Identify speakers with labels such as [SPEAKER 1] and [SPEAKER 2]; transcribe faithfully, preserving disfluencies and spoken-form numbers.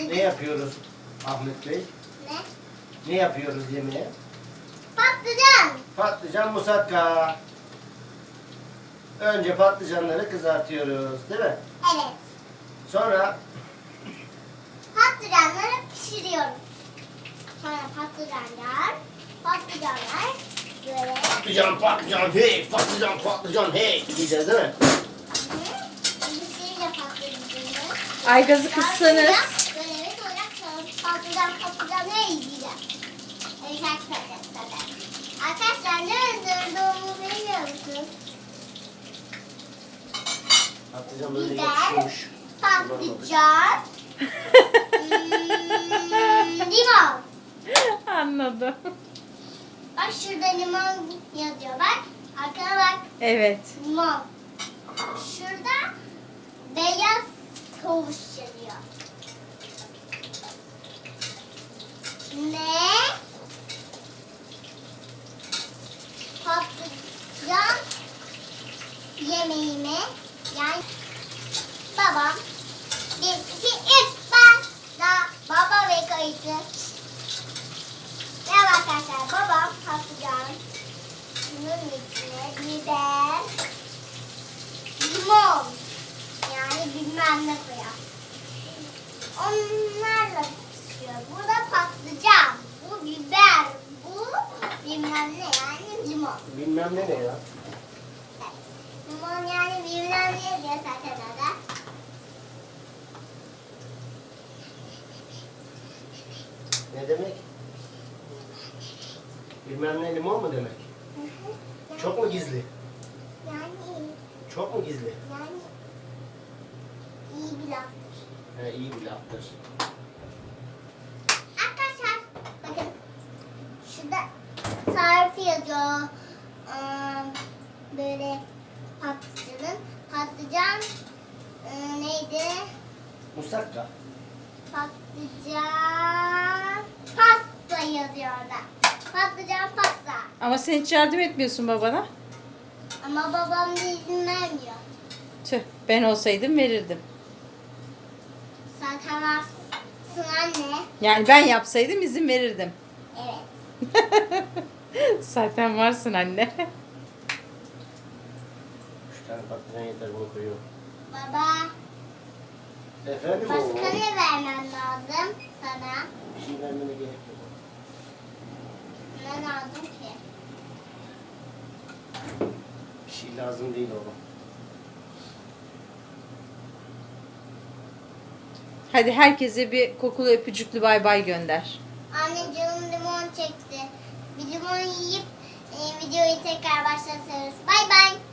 [SPEAKER 1] Ne yapıyoruz Ahmet Bey?
[SPEAKER 2] Ne?
[SPEAKER 1] Ne yapıyoruz yemeğe?
[SPEAKER 2] Patlıcan.
[SPEAKER 1] Patlıcan musakka. Önce patlıcanları kızartıyoruz, değil mi?
[SPEAKER 2] Evet.
[SPEAKER 1] Sonra
[SPEAKER 2] Patlıcanları pişiriyoruz. Sonra patlıcanlar, patlıcanlar böyle.
[SPEAKER 1] patlıcan patlıcan hey, patlıcan patlıcan hey diyeceğiz, değil mi?
[SPEAKER 2] Pişirince patlıcanları.
[SPEAKER 3] Aygaz'ı kıssanız.
[SPEAKER 2] Böyle evet olarak patlıcan patlıcan ne yiyeceğim? Evet şarkı söyleyeceğiz zaten. Arkadaşlar ne öldürdüğümü biliyor musunuz?
[SPEAKER 1] Patlıcan böyle
[SPEAKER 2] Biber,
[SPEAKER 1] yapışmış.
[SPEAKER 2] patlıcan, hmm, limon.
[SPEAKER 3] Anladım.
[SPEAKER 2] Bak şurada limon yazıyor bak. Arkana bak
[SPEAKER 3] Evet.
[SPEAKER 2] limon. Şurada beyaz havuç yazıyor. Ne? Patlıcan yemeğime yani babam bir, iki, üç ben da baba ve kayıtı. Merhaba arkadaşlar babam patlıcan bunun içine biber limon yani bilmem ne koyar. Onlarla pişiyor. Bu da patlıcan. Bu biber. Bu bilmem ne yani limon.
[SPEAKER 1] Bilmem ne ne ya?
[SPEAKER 2] Limon yani bilmem ne diyor zaten adı.
[SPEAKER 1] Ne demek? Bilmem ne limon mu demek? Çok mu gizli?
[SPEAKER 2] Yani
[SPEAKER 1] Çok mu gizli?
[SPEAKER 2] yani iyi bir laftır.
[SPEAKER 1] He, iyi bir laftır.
[SPEAKER 2] Arkadaşlar bakın şurada tarifi yazıyor. Ee, böyle patlıcanın patlıcan e, neydi?
[SPEAKER 1] Musakka.
[SPEAKER 2] Patlıcan pasta yazıyor orada. Patlıcan pasta.
[SPEAKER 3] Ama sen hiç yardım etmiyorsun babana.
[SPEAKER 2] Ama babam da izin vermiyor.
[SPEAKER 3] Tüh, ben olsaydım verirdim.
[SPEAKER 2] Zaten varsın anne.
[SPEAKER 3] Yani ben yapsaydım izin verirdim.
[SPEAKER 2] Evet.
[SPEAKER 3] Zaten varsın anne.
[SPEAKER 1] Üç tane patlıcan yeter, bunu koyuyorum.
[SPEAKER 2] Baba
[SPEAKER 1] Efendim
[SPEAKER 2] başka
[SPEAKER 1] oğlum?
[SPEAKER 2] ne vermem lazım sana?
[SPEAKER 1] Bir şey vermene gerek yok.
[SPEAKER 2] Ne lazım ki?
[SPEAKER 1] Bir şey lazım değil oğlum.
[SPEAKER 3] Hadi herkese bir kokulu öpücüklü bay bay gönder.
[SPEAKER 2] Anne canım limon çekti. Bir limon yiyip e, videoyu tekrar başlatırız. Bay bay.